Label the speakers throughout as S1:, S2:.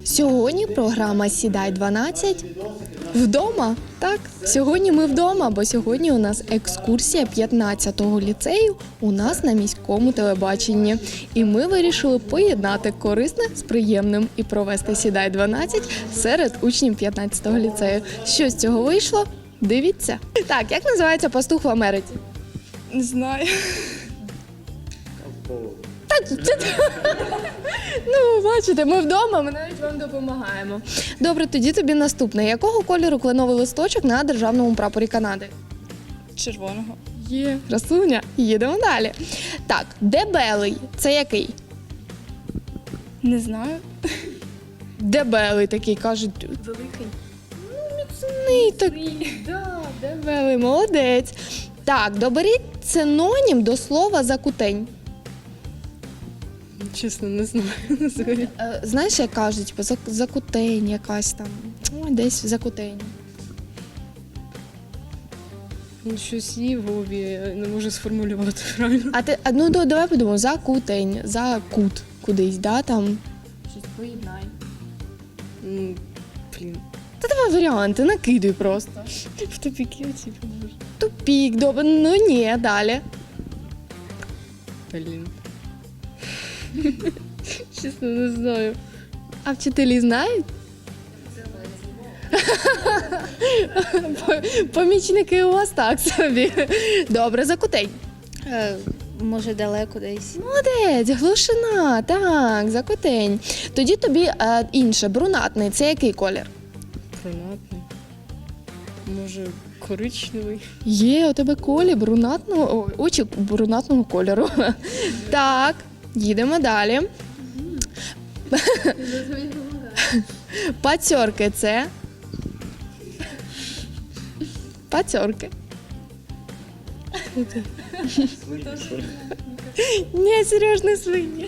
S1: Сьогодні програма «Сідай 12» вдома. Так, сьогодні ми вдома, бо сьогодні у нас екскурсія 15-го ліцею у нас на міському телебаченні. І ми вирішили поєднати корисне з приємним і провести «Сідай 12» серед учнів 15-го ліцею. Що з цього вийшло? Дивіться. Так, як називається пастух в Америці?
S2: Не знаю.
S1: Ну, бачите, ми вдома, ми навіть вам допомагаємо. Добре, тоді тобі наступне. Якого кольору кленовий листочок на державному прапорі Канади?
S2: Червоного.
S1: Є. Красуня. Їдемо далі. Так, дебелий – це який?
S2: Не знаю.
S1: Дебелий такий, кажуть.
S2: Великий.
S1: Міцний такий. Да, дебелий, молодець. Так, доберіть синонім до слова закутень.
S2: Чесно, не знаю.
S1: Знаєш, як кажуть, закутень якась там. Ой, десь закутень.
S2: Щось є в голові, я не можу сформулювати правильно.
S1: Ну, давай подумаємо, закутень, закут кудись, да, там. Щось поєднай.
S2: Блін.
S1: Та давай варіанти, накидуй просто.
S2: В тупіки оці поможу.
S1: Тупік, добре, ну ні, далі.
S2: Блін. Чесно, не знаю.
S1: А вчителі знають? Помічники у вас так собі. Добре, закутень.
S3: Може, далеко десь.
S1: Молодець, глушина, так, закутень. Тоді тобі інше, брунатний, це який колір?
S2: Брунатний. Може, коричневий.
S1: Є у тебе очі брунатного кольору. Так, їдемо далі. Пацьорки це? Пацьорки. Ні, Сереж, не свині.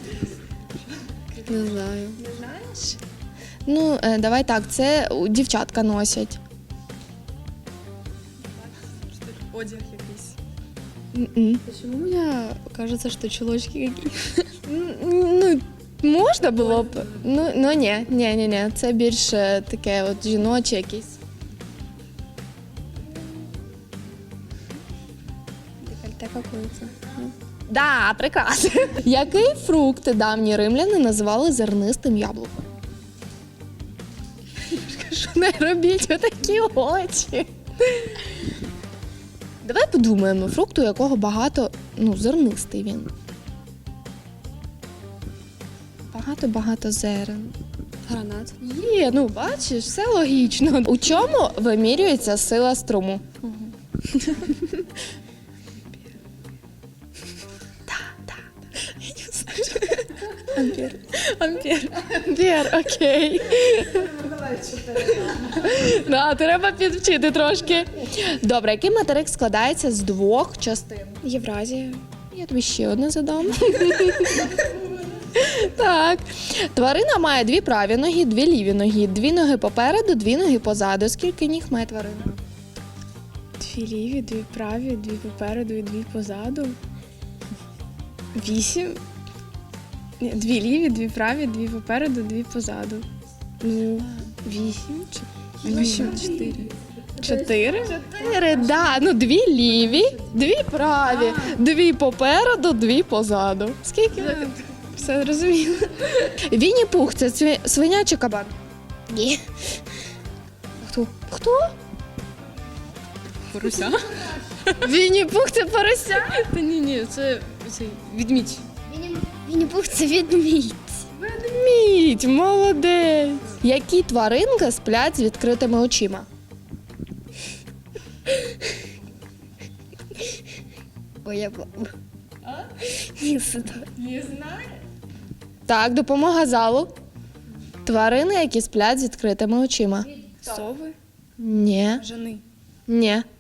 S2: Не знаю.
S1: Не знаєш? Ну, давай так, це дівчатка носять.
S2: Одяг якийсь.
S1: М-м.
S2: Почему мне кажется, что чулочки какие-то?
S1: Ну, можна було б. Ну ні. Це більше таке от жіноче якесь.
S3: Декольте какое-то.
S1: Да, прекрасно. Який фрукт давні римляни називали зернистим яблуком? Кажу, не робіть отакі очі. Давай подумаємо, фрукт, у якого багато, зернистий він. Багато зерен.
S2: Гранат.
S1: Є, бачиш, все логічно. У чому вимірюється сила струму? Ампер, окей. Да, треба підвчити трошки. Добре, який материк складається з двох частин?
S3: Євразія.
S1: Я тобі ще одне задам. Так. Тварина має дві праві ноги, дві ліві ноги, дві ноги попереду, дві ноги позаду. Скільки ніг має тварина?
S3: Дві ліві, дві праві, дві попереду і дві позаду. 8. Ні, дві ліві, дві праві, дві попереду, дві позаду. 8. 4. 4?
S1: 4, да. Дві ліві, дві праві, дві попереду, дві позаду. Скільки?
S3: Все зрозуміло.
S1: Вінні-Пух – це свиня чи кабан?
S3: Ні.
S1: Хто?
S2: Поруся?
S1: Вінні-Пух – це порося?
S2: Та ні, це відмідь.
S3: Вінні-Пух – це відмідь.
S1: Ведмідь, молодець. Які тваринки сплять з відкритими очима?
S3: Ой, я не знаю.
S1: Так, допомога залу. Тварини, які сплять з відкритими очима.
S3: Сови?
S1: Ні.
S3: Жени.
S1: Ні.